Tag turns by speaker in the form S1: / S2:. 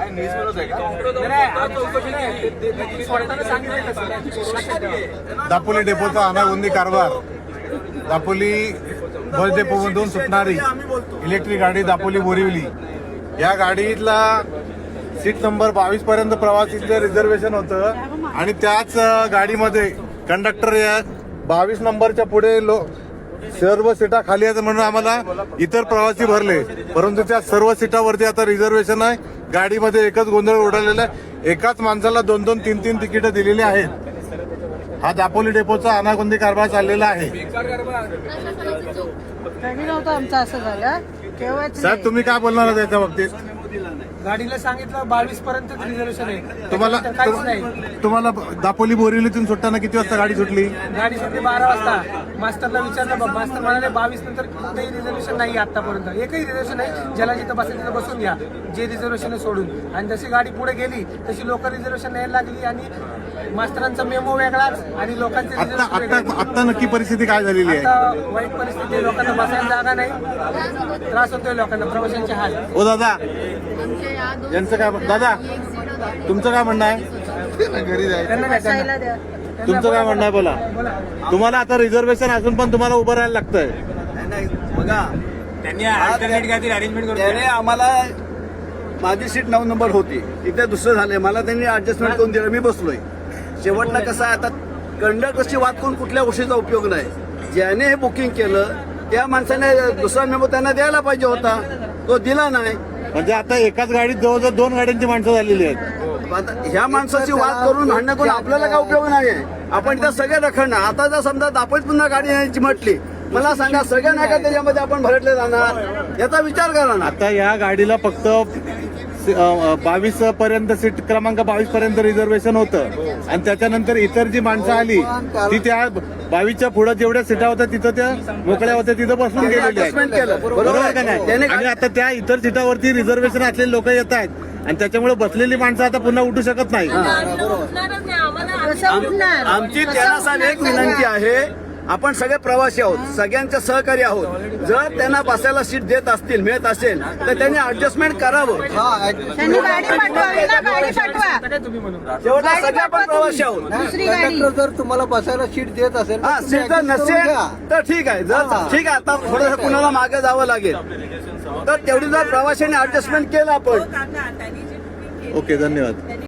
S1: दापोली डेपोचा अनागोंदी कारभार. दापोली बस डेपोमधून सुटणारी इलेक्ट्रिक गाडी दापोली बोरिवली या गाडीतला सीट नंबर 22 पर्यंत प्रवासीचं रिझर्वेशन होतं आणि त्याच गाडीमध्ये कंडक्टर या 22 नंबरच्या पुढे सर्व सीटा खाली आहेत म्हणून आम्हाला इतर प्रवासी भरले, परंतु त्या सर्व सीटावरती आता रिझर्वेशन आहे. गाडीमध्ये एकच गोंधळ उडालेला आहे. एकाच माणसाला 2-2, 3-3 तिकीट दिलेली आहेत. हा दापोली डेपोचा अनागोंदी कारभार चाललेला आहे.
S2: आमचं असं झालं.
S1: साहेब तुम्ही काय बोलणार आहात याच्या बाबतीत?
S3: गाडीला सांगितलं 22 पर्यंत रिझर्वेशन आहे.
S1: तुम्हाला दापोली बोरिवलीतून सुटताना किती वाजता गाडी सुटली?
S3: गाडी सुटली 12 वाजता. मास्टरला विचारलं, मास्टर म्हणाले 22 नंतर कुठेही रिझर्वेशन नाही आतापर्यंत. एकही रिझर्वेशन नाही. ज्याला जिथं बसेल तिथं बसून घ्या, जे रिझर्वेशन सोडून. आणि जशी गाडी पुढे गेली तशी लोक रिझर्वेशन न्यायला लागली आणि मास्टरांचा मेमो वेगळाच आणि लोकांचे
S1: आता नक्की परिस्थिती काय झालेली आहे?
S3: आता वाईट परिस्थिती. लोकांना बसायला जागा नाही. त्रास होतोय लोकांना, प्रवाशांचे हाल.
S1: ओ दादा, यांचं काय? दादा तुमचं काय म्हणणं आहे? तुमचं काय म्हणणं आहे बोला. तुम्हाला आता रिझर्वेशन असून पण तुम्हाला उभं राहायला लागतंय.
S4: बघा,
S5: त्यांनी अल्टरनेट काहीतरी अरेंजमेंट करून
S4: त्याने आम्हाला माझी सीट 9 नंबर होती, इथे दुसरं झालंय. मला त्यांनी ऍडजस्टमेंट करून दिलं, मी बसलोय. शेवटला कसं आहे, आता कंडक्टरची वाद करून कुठल्या गोष्टीचा उपयोग नाही. ज्याने हे बुकिंग केलं त्या माणसाने दुसरा मेमो त्यांना द्यायला पाहिजे होता, तो दिला नाही.
S1: म्हणजे आता एकाच गाडीत जवळजवळ 2 गाड्यांची माणसं झालेली आहेत.
S4: आता ह्या माणसाची वाद करून भांडणं करून आपल्याला काय उपयोग नाही आहे. आपण इथं सगळे रखडणार. आता जर समजा दापोलीत पुन्हा गाडी न्यायची म्हटली, मला सांगा सगळ्या नाही का त्याच्यामध्ये आपण भरटले जाणार? याचा विचार करा ना.
S1: आता या गाडीला फक्त 22 पर्यंत सीट क्रमांक 22 पर्यंत रिझर्वेशन होतं आणि त्याच्यानंतर इतर जी माणसं आली ती त्या 22च्या पुढे जेवढ्या सीटा होत्या तिथं त्या मोकळ्या होत्या, तिथं बसून गेलेल्या आहेत. बरोबर का नाही? आणि आता त्या इतर सीटावरती रिझर्वेशन असलेले लोक येत आहेत आणि त्याच्यामुळे बसलेली माणसं आता पुन्हा उठू शकत नाही.
S4: आमची त्यांना साहेब एक विनंती आहे, आपण सगळे प्रवासी आहोत, सगळ्यांचे सहकारी आहोत. जर त्यांना बसायला सीट देत असतील, मिळत असेल तर त्यांनी ऍडजस्टमेंट करावं. शेवटला सगळे आपण प्रवासी आहोत.
S2: कंडक्टर
S6: जर तुम्हाला बसायला सीट देत असेल,
S4: हा, सीट जर नसेल तर ठीक आहे. जर ठीक आहे, आता थोडंसं कुणाला मागे जावं लागेल तर तेवढी जर प्रवाशांनी ऍडजस्टमेंट केलं आपण.
S1: ओके, धन्यवाद.